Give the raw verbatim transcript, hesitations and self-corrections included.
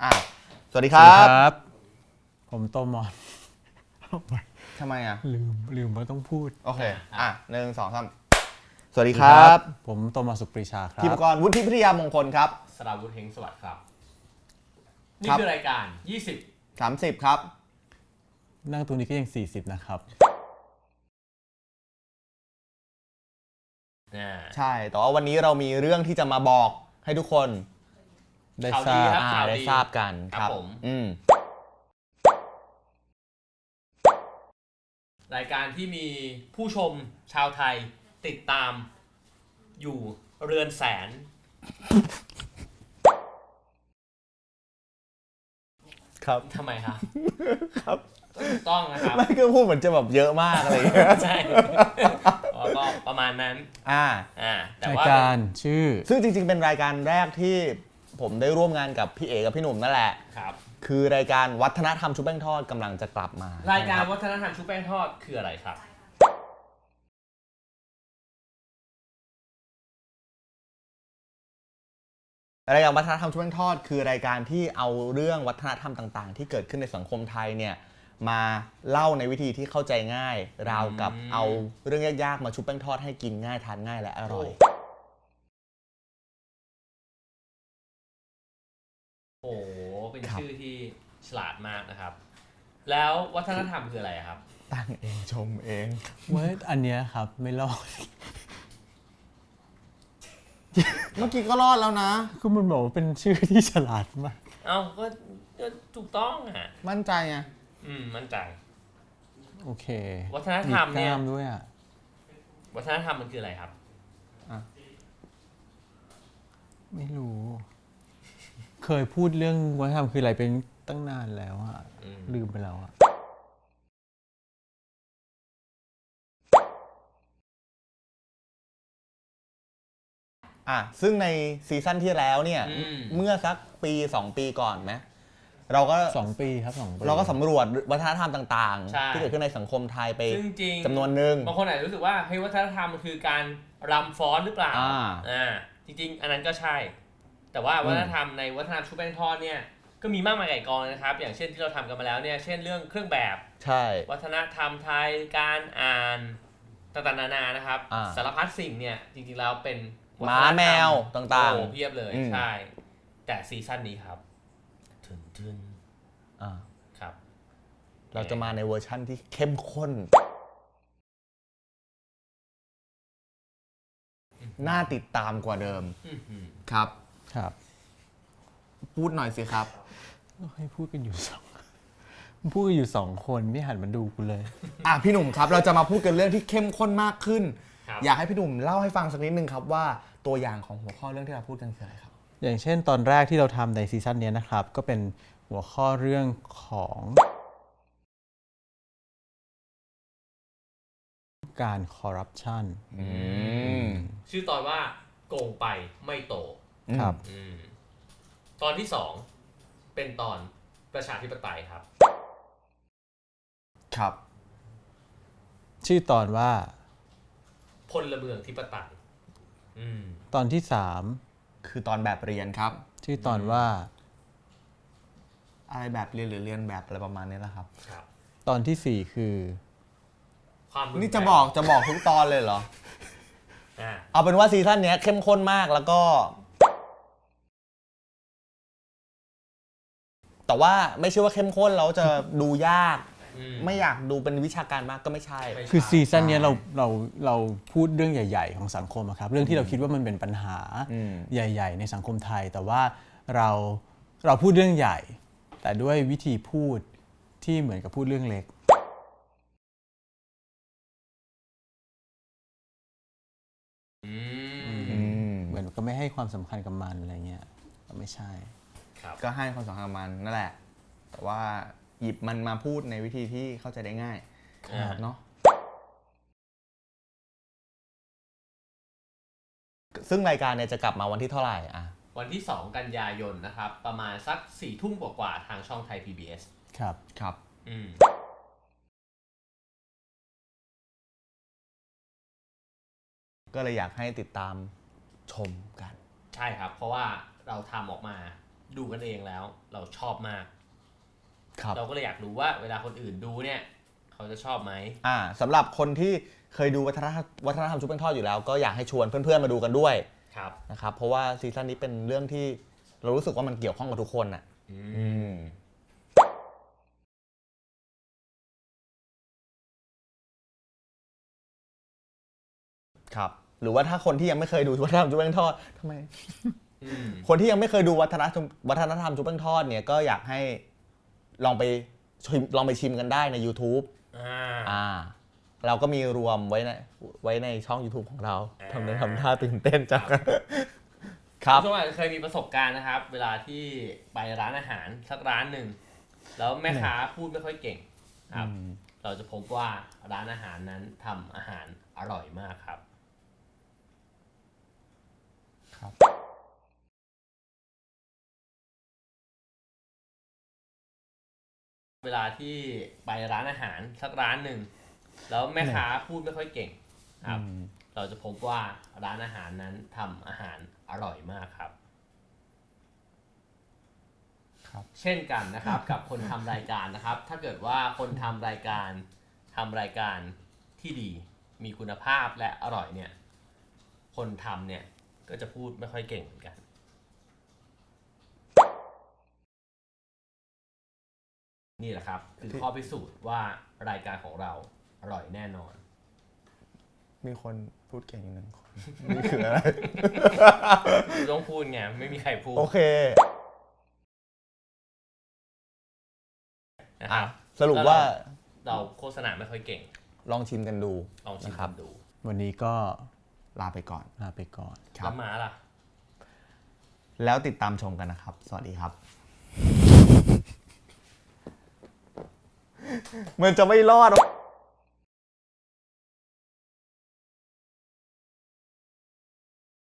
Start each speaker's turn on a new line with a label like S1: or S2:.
S1: อ่ะสวัสดีครับ
S2: ผมโตมอน
S1: ทำไมอ่ะ
S2: ลืมลืมว่าต้องพูด
S1: โอเคอ่ะหนึ่งสองสามสวัสดีครับ
S2: ผมโตมอนสุปรีชาครับ
S1: พิมกรวุฒิพิทยามงคลครับ
S3: สราวุฒิเฮงสวัสดิ์ครับนี่คือรายการยี่สิบ
S1: สามสิบครับ
S2: นั่งตรงนี้ก็ยังสี่สิบนะครับ
S1: ใช่แต่ว่าวันนี้เรามีเรื่องที่จะมาบอกให้ทุกคน
S2: ได้ทราบ
S1: ได้ทราบกันครับ
S3: ผม
S1: อืม
S3: รายการที่มีผู้ชมชาวไทยติดตามอยู่เรือนแสน
S1: ครับ
S3: ทำไมครับ
S1: ครับ
S3: ถูกต้องนะครับ
S1: ไม่ก็พูดเหมือนจะแบบเยอะมากอะไรอย่างเงี้ย
S3: ใช่ก็ประมาณนั้น
S1: อ่า
S3: อ่า
S2: แต่ว่ารายการชื่อ
S1: ซึ่งจริงๆเป็นรายการแรกที่ผมได้ร่วมงานกับพี่เอกับพี่หนุ่มนั่นแหละ
S3: ครับ
S1: คือรายการวัฒนธรรมชุบแป้งทอดกำลังจะกลับมาร
S3: ายการวัฒนธรรมชุบแป้งทอดคืออะไรครับ
S1: รายการวัฒนธรรมชุบแป้งทอดคือรายการที่เอาเรื่องวัฒนธรรมต่างๆที่เกิดขึ้นในสังคมไทยเนี่ยมาเล่าในวิธีที่เข้าใจง่ายราวกับเอาเรื่องยากๆมาชุบแป้งทอดให้กินง่ายทานง่ายและอร่อย
S3: โอ้โหเป็นชื่อที่ฉลาดมากนะครับแล้ววัฒนธรรมคืออะไรครับ
S1: ตั้งเองชมเอง
S2: เว้ยอันเนี้ยครับไม่รอด
S1: เมื่อกี้ก็รอดแล้วนะ
S2: ก็มันบอกว่าเป็นชื่อที่ฉลาดมาก
S3: เอ้าก็ถูกต้องอ่ะ
S1: มั่นใจไง
S3: อืมมั่นใจ
S2: โอเค
S3: วัฒนธรรมเนี่ย
S2: ด้วยอ่ะ
S3: วัฒนธรรมมันคืออะไรครับ
S2: อ่ะไม่รู้เคยพูดเรื่องวัฒนธรรมคืออะไรเป็นตั้งนานแล้วอ่ะลืมไปแล้วอ่ะ
S1: อ่ะซึ่งในซีซั่นที่แล้วเนี่ยเมื่อสักปีสองปีก่อนไหมเราก็
S2: สองปีครับสองปี
S1: เราก็สำรวจวัฒนธรรมต่างๆที่เกิดขึ้นในสังคมไทยไปจำนวนหนึ่ง
S3: บางคนอาจจะรู้สึกว่าเฮ้ยวัฒนธรรมมันคือการรำฟ้อนหรือเปล่าอ่าจริงๆอันนั้นก็ใช่แต่ว่าวัฒนธรรมในวัฒนธรรมชุบแป้งทอดเนี่ยก็มีมากมายไก่กองนะครับอย่างเช่นที่เราทำกันมาแล้วเนี่ยเช่นเรื่องเครื่องแบบ
S1: ใช่
S3: วัฒนธรรมไทยการอ่านต่างๆนานานะครับสารพัดสิ่งเนี่ยจริงๆแล้วเป็น
S1: หมาแมวต่างๆ
S3: โอ้เพียบเลยใช่แต่ซีซั่นนี้ครับถึงถึง
S1: อ่า
S3: ครับ
S1: เราจะมาในเวอร์ชั่นที่เข้มข้นน่าติดตามกว่าเดิมครับ
S2: ครับ
S1: พูดหน่อยสิครับ
S2: ให้พูดกันอยู่สองพูดกันอยู่สองคนไม่หันมาดูกูเลย
S1: อ่ะพี่หนุ่มครับเราจะมาพูดกันเรื่องที่เข้มข้นมากขึ้นอยากให้พี่หนุ่มเล่าให้ฟังสักนิดนึงครับว่าตัวอย่างของหัวข้อเรื่องที่เราพูดกันคืออะไรครับ
S2: อย่างเช่นตอนแรกที่เราทำในซีซั่นนี้นะครับก็เป็นหัวข้อเรื่องของการคอร์รัปชัน
S3: ชื่อตอนว่าโกงไปไม่โต
S2: ครับ
S3: ตอนที่สองเป็นตอนประชาธิปไตยครับ
S1: ครับ
S2: ชื่อตอนว่า
S3: พลเมืองธิปไตย
S2: ตอนที่สาม
S1: คือตอนแบบเรียนครับ
S2: ชื่อตอนว่า
S1: อะไรแบบเรียนหรือเรียนแบบอะไรประมาณนี้แหละครับ
S2: ตอนที่สี่คือ
S1: นี่จะบอกจะบอกทุกตอนเลยเหรอเอาเป็นว่าซีซั่นนี้เข้มข้นมากแล้วก็แต่ว่าไม่ใช่ว่าเข้มข้นแล้วจะดูยากไม่อยากดูเป็นวิชาการมากก็ไม่ใช่
S2: คือซีซั่นนี้เราเราเราพูดเรื่องใหญ่ๆของสังคมครับเรื่องที่เราคิดว่ามันเป็นปัญหาใหญ่ๆในสังคมไทยแต่ว่าเราเราพูดเรื่องใหญ่แต่ด้วยวิธีพูดที่เหมือนกับพูดเรื่องเล็กเหมือนก็ไม่ให้ความสำคัญกับมันอะไรเงี้ยก็ไม่ใช่
S1: ก็ให้ความสำคัญกับมันนั่นแหละแต่ว่าหยิบมันมาพูดในวิธีที่เข้าใจได้ง่ายเนาะซึ่งรายการเนี่ยจะกลับมาวันที่เท่าไหร่อ่ะ
S3: วันที่สองกันยายนนะครับประมาณสักสี่ทุ่มกว่าๆทางช่องไทย พี บี เอส
S2: ครับ
S1: ครับ
S3: อืม
S1: ก็เลยอยากให้ติดตามชมกัน
S3: ใช่ครับเพราะว่าเราทำออกมาดูกันเองแล้วเราชอบมาก
S1: ครับ
S3: เราก็เลยอยากรู้ว่าเวลาคนอื่นดูเนี่ยเขาจะชอบไหม
S1: อ่าสำหรับคนที่เคยดูวัฒนธรรมวัฒนธรรมชุบแป้งทอดอยู่แล้วก็อยากให้ชวนเพื่อนๆมาดูกันด้วย
S3: ครับ
S1: นะครับเพราะว่าซีซั่นนี้เป็นเรื่องที่เรารู้สึกว่ามันเกี่ยวข้องกับทุกคนอ่ะ
S3: อื
S1: อื
S3: ม
S1: มครับหรือว่าถ้าคนที่ยังไม่เคยดูวัฒนธรรมชุบแป้งทอดทำไม
S3: อืม
S1: คนที่ยังไม่เคยดูวัฒนธรรมวัฒนธรรมชุบแป้งทอดเนี่ยก็อยากให้ลองไปชิมลองไปชิมกันได้ใน YouTube
S3: อ่า
S1: อ่าเราก็มีรวมไว้ในไว้ในช่อง YouTube ของเรา
S3: อ่า
S1: ทำได้ทำท่าตื่นเต้นจังครับ
S3: ทุกคนอาจจะเคยมีประสบการณ์นะครับ เวลาที่ไปร้านอาหารสักร้านหนึ่งแล้วแม่ค้าพูดไม่ค่อยเก่งครับ เราจะพบว่าร้านอาหารนั้นทำอาหารอร่อยมากครับ
S1: ครับ
S3: เวลาที่ไปร้านอาหารสักร้านหนึ่งแล้วแม่ค้าพูดไม่ค่อยเก่งครับ เราจะพบว่าร้านอาหารนั้นทำอาหารอร่อยมากครับ
S1: ครับ
S3: เช่นกันนะครับ กับคนทำรายการนะครับ ถ้าเกิดว่าคนทำรายการทำรายการที่ดีมีคุณภาพและอร่อยเนี่ย คนทำเนี่ยก็จะพูดไม่ค่อยเก่งเหมือนกัน นี่แหละครับ คือข้อพิสูจน์ว่ารายการของเราอร่อยแน่นอน
S1: มีคนพูดเก่งอยู่หนึ่งคนนี่คืออะไร
S3: ต้องพูดไงไม่มีใครพูด
S1: โอเค
S3: นะครับ
S1: สรุปว่า
S3: เราโฆษณาไม่ค่อยเก่ง
S1: ลองชิมกันดู
S3: ลองชิม
S1: นะครั
S3: กับ นดู
S2: วันนี้ก็
S1: ลาไปก่อน
S2: ลาไปก่อน
S1: ครั
S3: แล้
S1: บ
S3: วม้าล่ะ
S1: แล้วติดตามชมกันนะครับ สวัสดีครับ มันจะไม่รอด